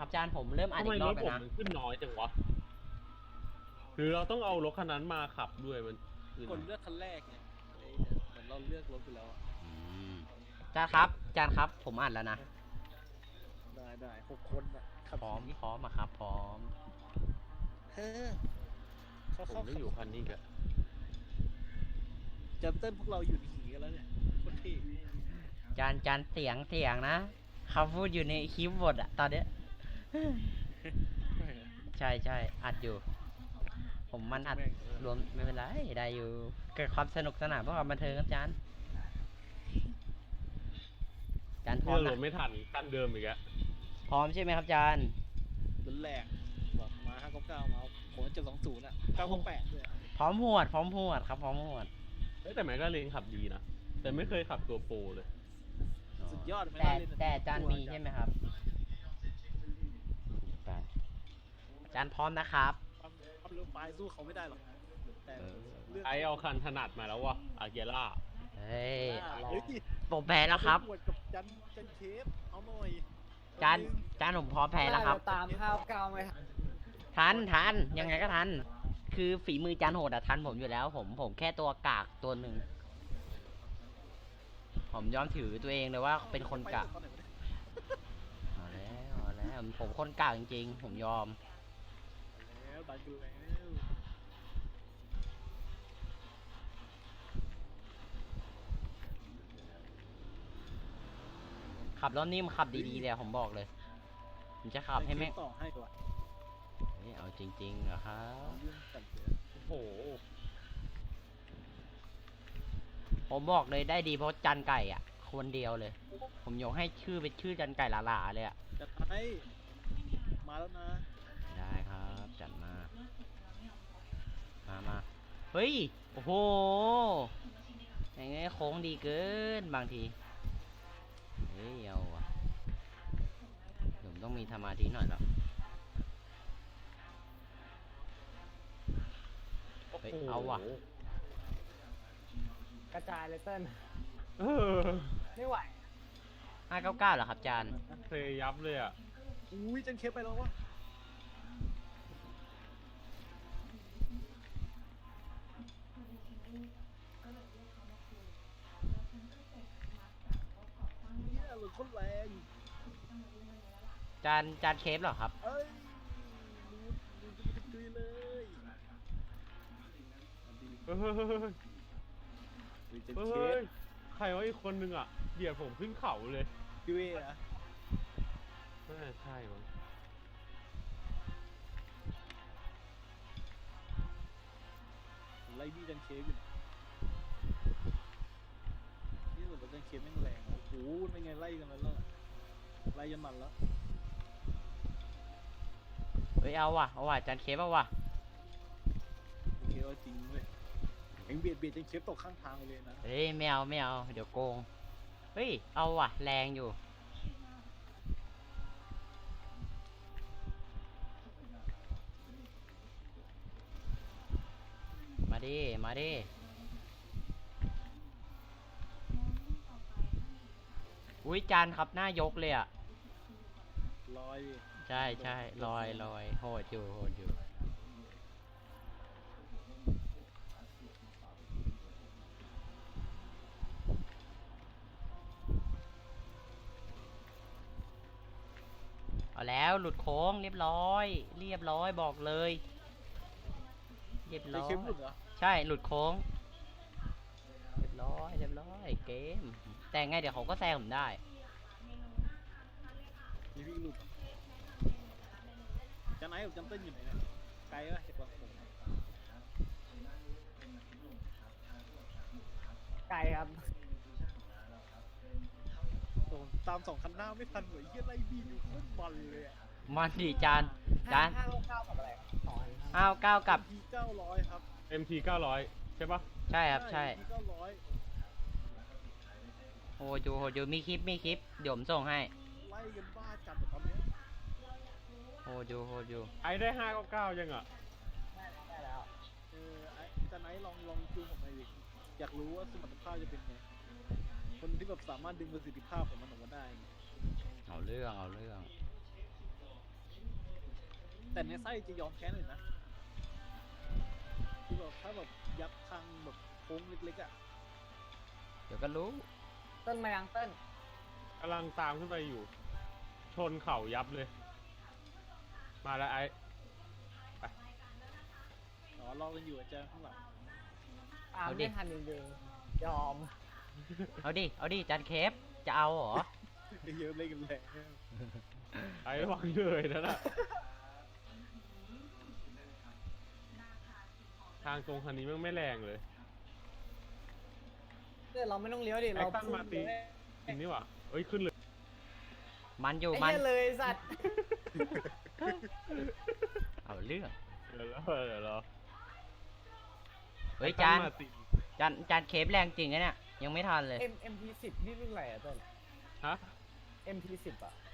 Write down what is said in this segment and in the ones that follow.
ครับอาจารย์ผมเริ่มอ่านทำไมอีกรอบแล้วนะรถผมมันขึ้นน้อยจังวะหรือเราต้องเอารถคันนั้นมาขับด้วยมันคนเลือกคันแรกไงไอ้เนี่ยเหมือนเราเลือกรถไปแล้วอะอืมอาจารย์ครับอาจารย์ครับผมอ่านแล้วนะได้6 คนอะขับพร้อมผีพร้อมอะครับพร้อมเฮ้อเขาผมเข้าได้อยู่คันนี้กันจันเติ้ลพวกเราอยู่ในหีกันแล้วเนี่ยคนที่จานเสียงนะเขาพูดอยู่ในคลิปบทอะตอนเนี้ยใช่อัดอยู่ ผมมันอัดรวมไม่เป็นไรได้อยู่เกิดความสนุกสนานเพื่อความบันเทิงครับอาจารย์พร้อมเพื่อรนะถไม่ทันคันเดิมอีกอะพร้อมใช่ไหมครับอาจารย์รถแรกบอกมา599มาผม720อะ998ด้วยพร้อมหวดครับพร้อมหวดแต่แม็กกาเรนขับดีนะแต่ไม่เคยขับตัวโปรเลยสุดยอดไหมแต่อาจารย์มีใช่ไหมครับอาจารย์พร้อมนะครับความเร็วปลายสู้เขาไม่ได้หรอกแต่เลือกไอเอาคันถนัดมาแล้ววะอาเกียร่าเฮ้ยเฮ้ยผมแพ้แล้วครับปวดกับจันเคฟเอาหน่อยจานผมพร้อมแพ้แล้วครับตามข้าวก้าวไม่ทันทันยังไงก็ทัน คือฝีมือจานโหดอะทันผมอยู่แล้ว ผมแค่ตัวกากตัวหนึ่งผมยอมถือตัวเองเลยว่าเป็นคนกากเอาแล้วผมคนกากจริงๆผมยอมแล้วดันกันแล้วขับรอบนี้มันขับดีๆเลยผมบอกเลยผมจะขับให้แม่งต่อให้ก่อนเฮ้ยเอาจริงๆเหรอครับเรื่องกันเลยโอ้โหผมบอกเลยได้ดีเพราะจันไก่อ่ะคนเดียวเลย ผมยกให้ชื่อเป็นชื่อจันไก่หลาๆเลยอ่ะจะให้มาแล้วนะได้ครับจัดมาเฮ้ยโอ้โหอย่างเงี้ยโค้งดีเกินบางทีเฮ้ยเอาว่ะผมต้องมีสมาธิหน่อยแล้วเฮ้ยเอาว่ะกระจายเลยเต้นเออไม่ไหว 599เหรอครับจานเซยับเลยอะอุ้ยจันเคฟไปแล้ววะเนี่ยหลุดโคนแรงจานเคฟเหรอครับเอ้ยดูจุยเลยเฮ้ยดูจันเฮ้เคยฟใครวะอีกคนนึงอะเหยียบผมขึ้นเขาเลยพี่เว่อะน่าจะใช่มั้งไล่บี้จันเคฟอยู่นี่สุดแล้วจันเคฟแม่งแรงโอ้โหเป็นไงไล่กันแล้วไล่ยันมันแล้วเฮ้ยเอาว่ะจานเคฟเอาว่ะโอเคเอาจริงเว้ยเอ็งเบียดจันเคฟตกข้างทางเลยนะเฮ้ยไม่เอาเดี๋ยวโกงเฮ้ยเอาว่ะแรงอยู่มาดิอุ้ยจานครับหน้ายกเลยอ่ะลอยดิใช่ลอยโหดอยู่เอาแล้วหลุดโค้งเรียบร้อยบอกเลยเรียบจัร้นอยเคฟหลุดเหรอใช่หลุดโค้งเรียบร้อยเกมแต่ไงเดี๋ยวเขาก็แซงผมได้มีพี่หลุดเหรอจันไนท์กับจันเต้นอยู่ไหนเนี่ยไกลปะจากบางผมไกลครับโอ้ตาม2 คันหน้าไม่ทันเหมือนเฮียไล่บี้อยู่โคตรมันเลยอะมันดีจานห้าก้าวกับอะไร 59กับที900ครับ MT 900ใช่ปะใช่ครับใช่ที900 โหอยู่มีคลิปเดี๋ยวผมส่งให้ไล่กันบ้าจัดแต่ตอนเนี้ยโหอยู่ไอได้599ยังอะได้แล้วไอ้จันไนท์ลองจูงผมหน่อยดิอยากรู้ว่าสมรรถภาพจะเป็นไงคนที่แบบสามารถดึงประสิทธิภาพของมันออกมาได้เอาเรื่องแต่ในไส้จะยอมแพ้หน่อยนะคือแบบถ้าแบบยับทางแบบโค้งเล็กๆอ่ะเดี๋ยวก็รู้เติ้ลมายังเติ้ลกำลังตามขึ้นไปอยู่ ชนเข่ายับเลย มาแล้วไอ้อ๋อรอกันอยู่อาจารย์ข้างหลังตามเอาดิไม่ทันจริงๆยอมเอาดิ เอาดิ จานเคฟจะเอาเหรอเยอะเลยกันแหละไอ้วางเลยนั่นแหละทางตรงคันนี้มันไม่แรงเลยเดี๋ยวเราไม่ต้องเลี้ยวดิไอ้เราตั้งมาตีเลยจริงนี่หว่าเอ้ยขึ้นเลยมันอยู่ไอ้มันเหี้ยเลยสัตว์เอาเรื่องเดี๋ยวรอเฮ้ยไอ้ตั้จาง นมาตีจานเคฟแรงจริงนะเนี่ย ยังไม่ทันเลย MP10 นี่รุ่นอะไรอ่ะเติ้ลฮะ MP10 อ่ะ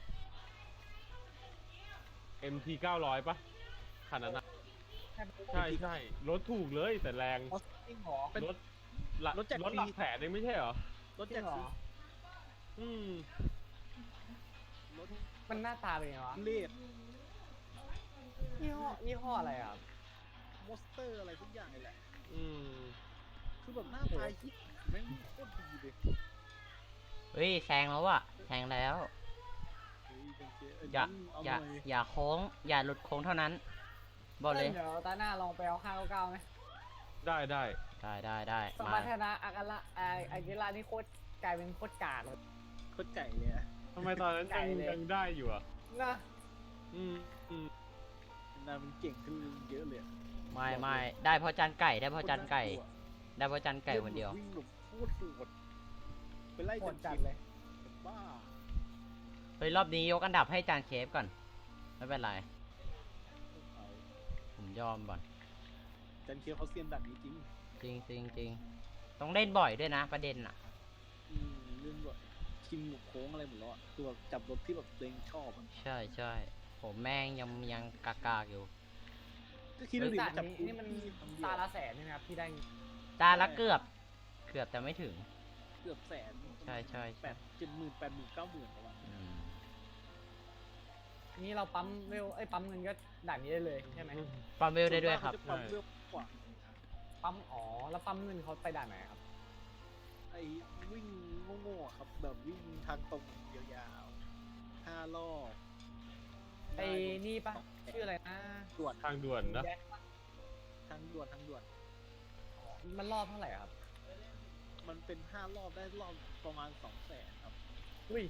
MT 900ปะคันนั้นอะใช่ใช่รถถูกเลยแต่แรงออสติงหรอเป็นรถหลักรถจากรถหลักแสนเองไม่ใช่เหรอรถจริจากงเหรออืมรถมันหน้าตาเป็นไงวะเลดยี่ห้ออะไรอ่ะมอสเตอร์อะไรทุกอย่างเลยแหละอืมคือแบบหน้าตาคิดแม่งโคตรดีเลยเฮ้ยแซงแล้วอะแซงแล้วเฮ้ยเป็นเจ๊อย่าเอาอย่าหน่อยอย่าโค้ง อย่าหลุดโค้งเท่านั้น บอกเลยเดี๋ยวตาหน้าลองไปเอา599ไหมได้ได้สมมาบัตินะอากิระนี่โคตรกลายเป็นโคตรกากเลยโคตรไก่เลยอะทำไมตอนนั้นไกลเลยยังได้อยู่อ่ะนะอืมนามันเก่งขึ้นเยอะเลยอะไม่ได้เพราะจานไก่ ได้เพราะจานไก่ ได้เพราะจานไก่คนเดียววิ่งแบบโคตรโหดไปไล่โคจัตนรจัดเก็บเลยบ้าเฮ้ยรอบนี้ยกอันดับให้จานเคฟก่อน ไม่เป็นไร ผมยอมก่อนจันเคียวเขาเซียนแบบนี้จริงจริง ต้องเล่นบ่อยด้วยนะประเด็นอะเรื่องแบบชิมหมกโค้งอะไรหมดแล้วอะคือแบบจับรถที่แบบตัวเองชอบอะใช่ ผมแม่งยังกากๆอยู่ก็คิดดูดิด่าว่าจับนี้นี่มันที่ทำเดียวตาละแสนนี่นะครับที่ได้ตาละเกือบแต่ไม่ถึงเกือบแสนใช่ 70,000 80,000 90,000แล้วอะอืมนี่เราปั๊มเวลปั๊มเงินก็ด่านนี้ได้เลยใช่ไหมความเร็วได้ด้วยครับส่นมากเขาจะปั๊มเรื่องกว่าปั๊มอ๋อแล้วปั๊มเงินเขาไปด่านไหนครับไอ้วิ่งโง่ๆอะครับแบบวิ่งทางตรงยาวๆ5 รอบไอ้นี่ปะชื่ออะไรนะด่วนทางด่วนนะแจ็คทางด่วนทางด่วนมันรอบเท่าไหร่ครับมันเป็น5 รอบได้รอบประมาณ 200,000ครับอุ้ย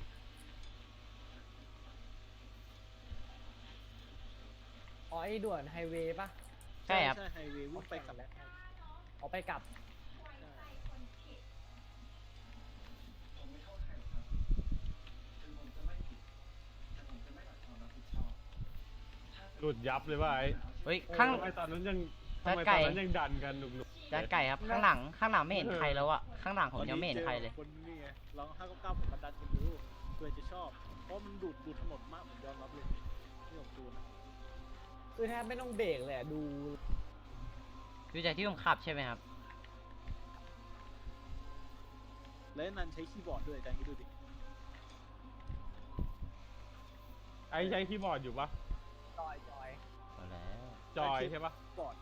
อ๋อไอ้ด่วนไฮเวย์ปะใช่ครับใช่ไฮเวย์วิ่งไปกลับแล้วอ๋อไปกลับใช่หลุดยับเลยว่าไอ้เฮ้ยข้างทำไมตอนนั้นยังจานทำไมไก่ตอนนั้นยังดันกันหนุกจานไก่ครับ ข้างหลังไม่เห็นใครแล้วอะข้างหลังผมยังไม่เห็นใครเลยคนนี่ไงลอง599ผมมาดันกันดูเพื่อจะชอบ เพราะมันดูดถนนมากผมยอมรับเลยที่ผมดูนะคือแทบไม่ต้องเบรกเลยอะดูดูจากที่ผมขับใช่ไหมครับและนันใช้คีย์บอร์ดด้วยอาจารย์คิดดูดิไอ้ใช้คีย์บอร์ดอยู่ปะจอยเอาแล้วจอยใช่ปะบอร์ดใช่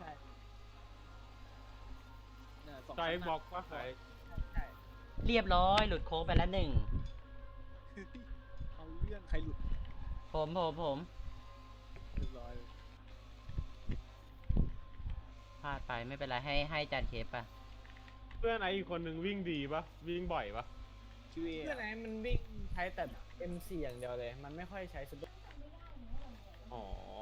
เนี่ยสองจอยข้างหน้าบล็อกปะไอ้ใช่เรียบร้อยหลุดโค้งไปแล้วหนึ่งเอาเรื่องใครหลุดผมเรียบร้อยเลยพลาดไปไม่เป็นไรให้จานเคฟไปเพื่อนไอ้อีกคนนึงวิ่งดีปะวิ่งบ่อยปะคิวเอเพื่อนไหนมันวิ่งใช้แต่ MC อย่างเดียวเลย มันไม่ค่อยใช้ซุปเปอร์อ๋อ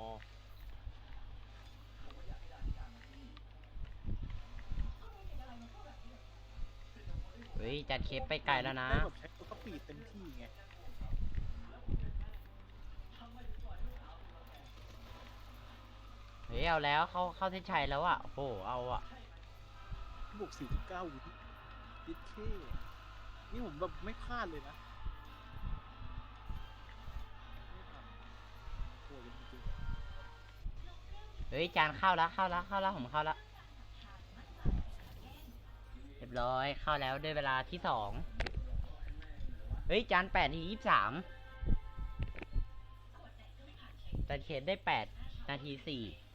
เฮ้ยจานเคฟไปไกลแล้วนะได้แบบใช้ตัวสปีดเต็มที่ไงเฮ้ยเอาแล้วเข้าเส้นชัยแล้วอะโอ้โหเอาอะบวก49วิดิเท่นี่ผมแบบไม่พลาดเลยนะไม่พลาดโหดจริงเฮ้ยจานเข้าแล้วผมเข้าแล้วเรียบร้อยเข้าแล้วด้วยเวลาที่2เฮ้ยจาน8 ที 23จานเคฟได้8 นาที 4